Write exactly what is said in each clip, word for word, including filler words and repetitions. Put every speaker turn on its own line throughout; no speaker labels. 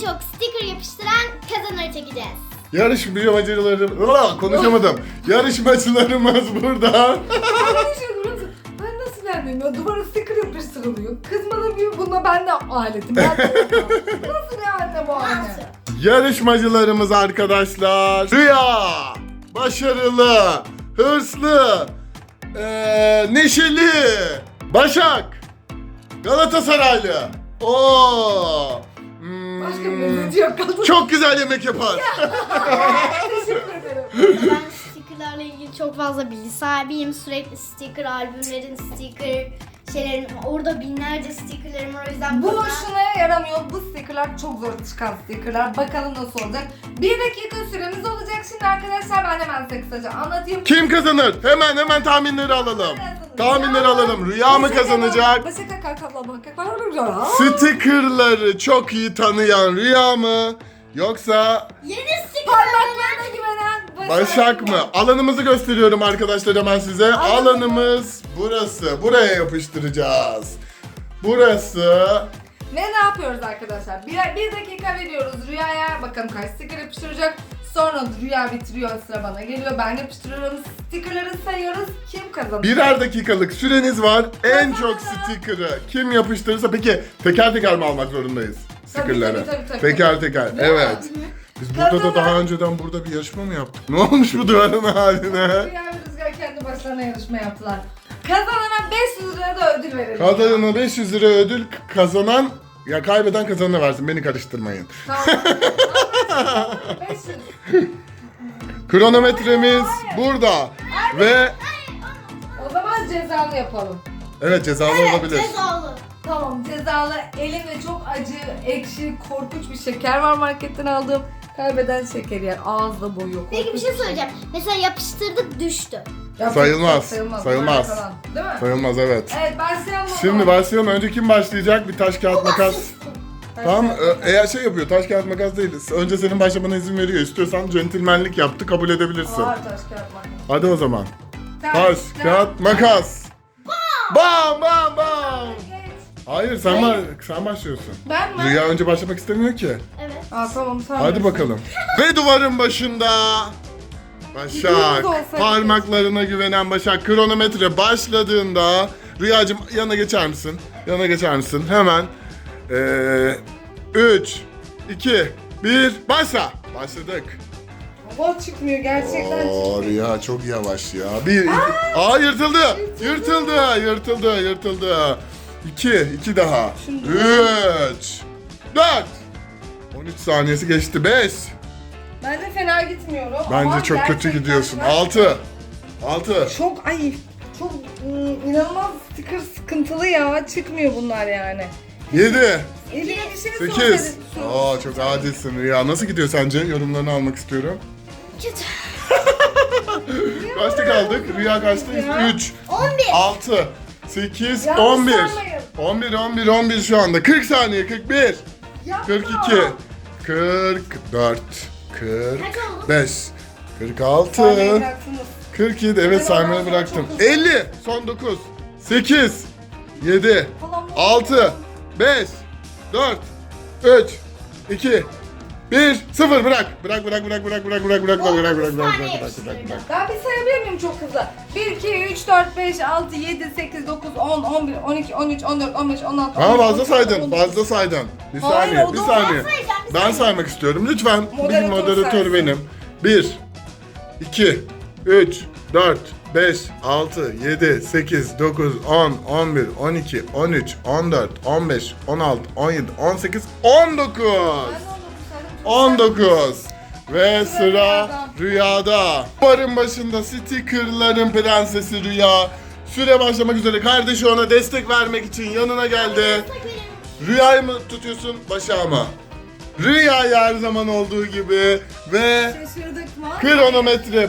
çok sticker yapıştıran kazanır çekeceğiz.
Yarışmacılarım... Konuşamadım. Yarışmacılarımız burada.
Ben nasıl beğendim ya? Duvara sticker yapıştırılıyor. Kız bana diyor bunda ben de aletim. Ben de yapamam. Nasıl bir anne bu anne?
Yarışmacılarımız arkadaşlar. Rüya, başarılı, hırslı, ee, neşeli, Başak, Galatasaraylı. Oo. Hmm,
Başka bir lezzeti yok. Kadın.
Çok güzel yemek yapar.
Teşekkür ederim.
Ben stickerlarla ilgili çok fazla bilgi sahibiyim. Sürekli sticker, albümlerin sticker şeylerim, orada binlerce stickerlerim var, o yüzden
Bu
bana-
şuna yaramıyor. Bu stickerlar çok zor çıkan stickerlar. Bakalım nasıl olacak. Bir dakika süremiz olacak. Şimdi arkadaşlar ben hemen size kısaca anlatayım.
Kim kazanır? Hemen hemen tahminleri alalım. Tahminleri alalım. Rüya mı kazanacak?
Başak kakabla bakaklar.
Stickerları çok iyi tanıyan Rüya mı? Yoksa
Yeni sticker.
Parmaklarına güvenen
Başak mı? Alanımızı gösteriyorum arkadaşlar hemen size. Alanımız burası. Buraya yapıştıracağız. Burası.
Ve ne yapıyoruz arkadaşlar? Bir, bir dakika veriyoruz Rüya'ya. Bakalım kaç sticker yapıştıracak. Sonra Rüya bitiriyor, sıra bana geliyor. Ben yapıştırıyorum. Stickerları sayıyoruz. Kim kazanır?
Birer dakikalık süreniz var. En çok sticker'ı kim yapıştırırsa, peki teker teker mi almak zorundayız sticker'ları?
tabii, tabii, tabii.
Teker teker. Evet. Biz burada da
Kazanan-
daha önceden burada bir yarışma mı yaptık? Ne olmuş bu duvarın haline?
Rüya ve Rüzgar kendi başlarına yarışma yaptılar. Kazanana beş yüz lira da ödül verelim.
Kazanana beş yüz lira ödül, kazanan ya kaybeden kazanana versin. Beni karıştırmayın.
Tamam. beş yüz.
Kronometremiz burada. Ve
O zaman cezalı yapalım.
evet, cezalı olabilir.
Cezalı.
Tamam, cezalı. Elimde çok acı, ekşi, korkunç bir şeker var marketten aldığım. Kaybeden şeker yer. Ağızda boyuyor.
Peki bir şey söyleyeceğim. Mesela yapıştırdık, düştü.
Ya,
Sayılmaz,
Sayılmaz.
sayılmaz.
Falan, değil mi?
Sayılmaz, evet.
Evet, başlayalım. o
Şimdi
zaman.
başlayalım. Önce kim başlayacak? Bir taş kağıt makas. Tamam, e- eğer şey yapıyor, taş kağıt makas değil. Önce senin başlamana izin veriyor. İstiyorsan centilmenlik yaptı, kabul edebilirsin.
Ağır taş kağıt makas.
Hadi o zaman. Taş, kağıt, makas. Bam bam bam.
Geç.
Hayır, sen, ba- sen başlıyorsun.
Ben mi?
Rüya önce başlamak istemiyor ki.
Evet.
Aa, tamam, sen
Hadi
bilirsin.
bakalım. Ve duvarın başında
İkimiz
Başak,
olsaydık.
parmaklarına güvenen Başak, kronometre başladığında Rüyacığım yana geçer misin? Yana geçer misin? Hemen. Ee, üç, iki, bir, başla. Başladık.
Hava çıkmıyor gerçekten.
Oo, Rüya çok yavaş ya. Bir, iki. Aa, yırtıldı. Yırtıldı, yırtıldı, yırtıldı. İki, iki daha.
Şimdi-
Üç, dört. on üç saniyesi geçti. Beş.
Ben de fena gitmiyorum.
Bence
ama
çok kötü
gerçekten
gidiyorsun.
ben-
Altı. Altı.
Çok ay çok ım, inanılmaz sticker sıkıntılı ya. Çıkmıyor bunlar yani.
Yedi.
Eline bir şey
Sekiz.
sorsaydın-
Aa, çok adilsin Rüya. Nasıl gidiyor sence? Yorumlarını almak istiyorum.
Kötü.
Kaçta kaldık? Rüya kaçta?
Ya.
Üç.
on bir.
Altı. Sekiz.
Yanlış
On bir.
saymayın.
On bir, on bir, on bir şu anda. Kırk saniye. Kırk bir.
Yapma.
Kırk iki. Kırk dört. Kırk
Kaç oldu?
beş. Kırk altı.
Saymayı bıraktınız.
Kırk yedi. Evet,
Ben
saymayı
ondan
bıraktım.
sonra çok hızlı.
Elli. Son dokuz. Sekiz. Yedi.
Falan bu-
altı, beş, dört, üç, iki, bir, sıfır. Bırak. Bırak, bırak, bırak, bırak, bırak, bırak, bırak, bırak, bırak, bırak, bırak, bırak, bırak, bırak, bırak.
Ben bir sayabilir miyim çok hızlı? bir, iki, üç, dört, beş, altı, yedi, sekiz, dokuz, on, on bir, on iki, on üç, on dört, on beş, on altı,
Ama
on yedi,
fazla
on sekiz,
saydın,
on dokuz.
fazla saydın. Bir
Hayır,
saniye,
o
bir
da-
saniye.
Ben sayacağım, bir
Ben
saniye.
saymak istiyorum. Lütfen. Bir
Moderatör
moderatör
saysın.
benim. bir, iki, üç, dört, beş, altı, yedi, sekiz, dokuz, on, on bir, on iki, on üç, on dört, on beş, on altı, on yedi, on sekiz, on dokuz.
Ben de on dokuz saydım, çok
on
güzel.
dokuz. Ve sıra
Rüyada.
Rüyada. Barın başında stickerların prensesi Rüya. Süre başlamak üzere. Kardeşi ona destek vermek için yanına geldi. Rüyayı mı tutuyorsun, Başak'ı mı? Rüyayı her zaman olduğu gibi ve
Şaşırdık mı?
kronometre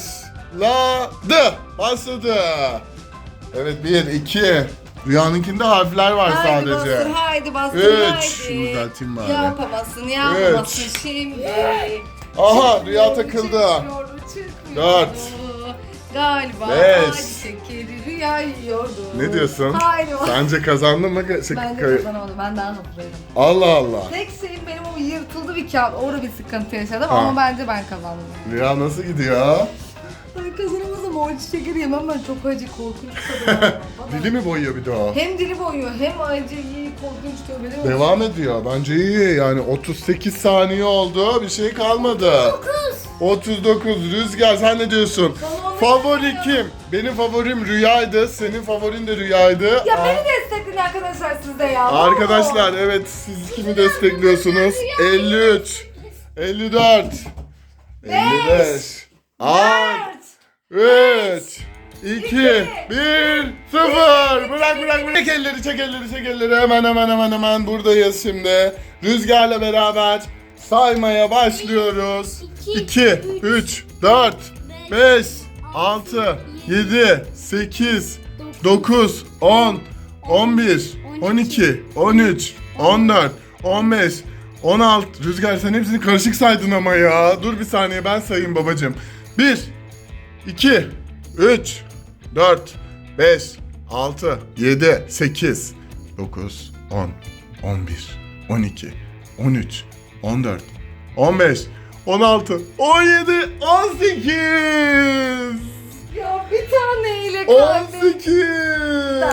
başladı. Başladı. Evet, bir, iki. Rüyanınkinde harfler var
Haydi
sadece.
bastır, haydi bastır,
Üç.
haydi.
Şunu düzelteyim bari.
Yapamazsın, yapamazsın
Üç.
şimdi.
Aha,
Çıkmıyor,
Rüya takıldı.
çıkmıyor, çıkmıyor.
Dört.
Galiba
Beş.
ağaç şekeri rüya yiyordu.
Ne diyorsun?
Hayır.
Sence kazandın mı? Şey,
Bence
kay-
kazanamadım. Ben daha hızlıydım.
Allah Allah.
Tek şeyim benim o yırtıldı bir kağıt. Orada bir sıkıntı yaşadım
Ha.
ama bence ben kazandım.
Rüya nasıl gidiyor?
Ben kazanamazsam o acı şekeri yemem ben. Çok acı, korkunç tadı var. Bana-
Dili mi boyuyor bir de o?
Hem dili boyuyor hem acı, iyi, korkunç tövbe değil mi?
Devam ediyor. Bence iyi. Yani otuz sekiz saniye oldu. Bir şey kalmadı. otuz dokuz. Rüzgar sen ne diyorsun?
Vallahi
Favori
bilmiyorum.
kim? Benim favorim Rüya'ydı. Senin favorin de Rüya'ydı.
Ya
Aa,
beni destekleyin arkadaşlar siz de ya.
Arkadaşlar evet siz kimi destekliyorsunuz? elli üç, elli dört, elli beş, altı, üç, iki, bir, sıfır. Bırak bırak bırak. Çek elleri çek elleri çek elleri. Hemen hemen hemen hemen buradayız şimdi. Rüzgarla beraber saymaya başlıyoruz. iki, üç, dört, beş, altı, yedi, sekiz, dokuz, on, on bir, on iki, on üç, on dört, on beş, on altı. Rüzgar sen hepsini karışık saydın ama ya. Dur bir saniye ben sayayım babacığım. bir, iki, üç, dört, beş, altı, yedi, sekiz, dokuz, on, on bir, on iki, on üç, on dört, on beş, on altı, on yedi, on sekiz.
Ya bir taneyle
on
kalbim.
sekiz.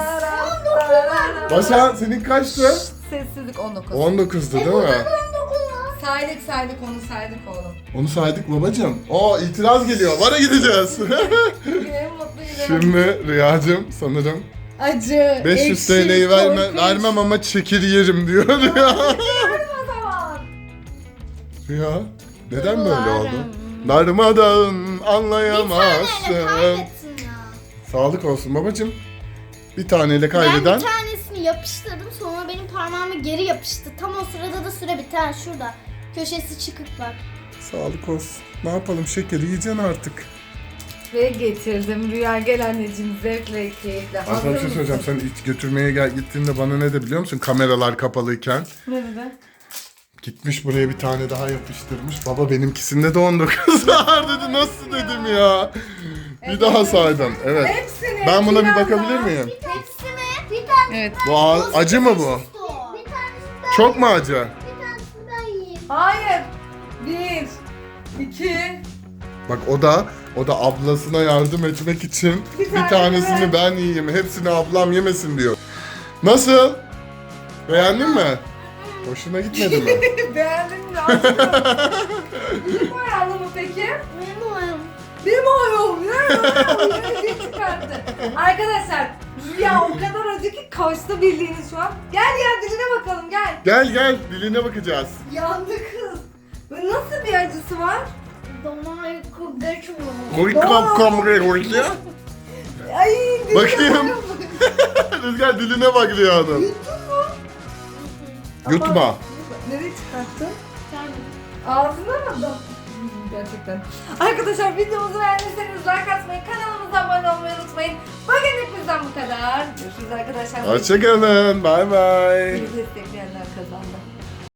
Başak senin kaçtı?
Sessizlik on dokuz.
on dokuzdu değil mi?
Saydık saydık onu saydık oğlum.
Onu saydık babacığım. O itiraz geliyor. Vara gideceğiz.
Gülerim mutlu gülerim.
Şimdi Rüyacığım sanırım
Acı,
beş yüz
ekşi,
TL'yi verme,
korkunç.
vermem ama çekir yerim diyor Rüya.
Verim o zaman.
Rüya neden böyle oldu? Darmadağın
Bir taneyle
anlayamazsın.
kaybettin ya.
Sağlık olsun babacığım. Bir taneyle
Ben
kaybeden.
bir tanesini yapıştırdım sonra benim parmağıma geri yapıştı. Tam o sırada da süre biter şurada. Köşesi çıkık bak.
Sağlık olsun. Ne yapalım şekeri yiyeceksin artık.
Ve getirdim. Rüya gel anneciğim zevkle keyifle.
Ben sana
Hazır
bir şey
mısın?
söyleyeceğim. Sen ilk götürmeye gel gittiğinde bana ne de biliyor musun? Kameralar kapalıyken.
Ne dedi?
Gitmiş buraya bir tane daha yapıştırmış. Baba benimkisinde de on dokuz var dedi. Nasıl dedim ya. Bir daha saydım. Evet.
Hepsini.
Ben buna bir
anda.
bakabilir miyim?
Tepsi mi? Bir tane.
Evet.
Bu a- acı mı bu?
Bir tanesi ben.
Çok mu acı?
Bir tanesini ben yiyeyim.
Hayır. Bir. iki.
Bak o da o da ablasına yardım etmek için
Bir
bir,
tane
tanesini
ver.
ben yiyeyim. Hepsini ablam yemesin diyor. Nasıl? Beğendin mi? Hoşuna gitmedi mi?
Beğendin mi? Aşkım. Bir boyalı mı peki?
Benim oyum.
Bir boyum. Ne? Bir çıkarttı. Arkadaşlar Rüya o kadar acı ki kaçtı bildiğiniz şu an. Gel gel diline bakalım gel.
Gel gel diline bakacağız.
Yandı kız. Ve nasıl bir acısı var?
Damar kugacı mı?
Koy kap kamre koy ya.
Ay diline
Bakayım.
bakın.
Rüzgar diline bak Rüya'nın. Yutma.
Nereye çıkarttın? Ağzına mı? Hmm, Gerçekten. Arkadaşlar videomuzu beğendiyseniz like atmayı, kanalımıza abone olmayı unutmayın. Bugün hepimizden bu kadar. Görüşürüz arkadaşlar.
Hoşçakalın. Bay bay.
Bizi destekleyen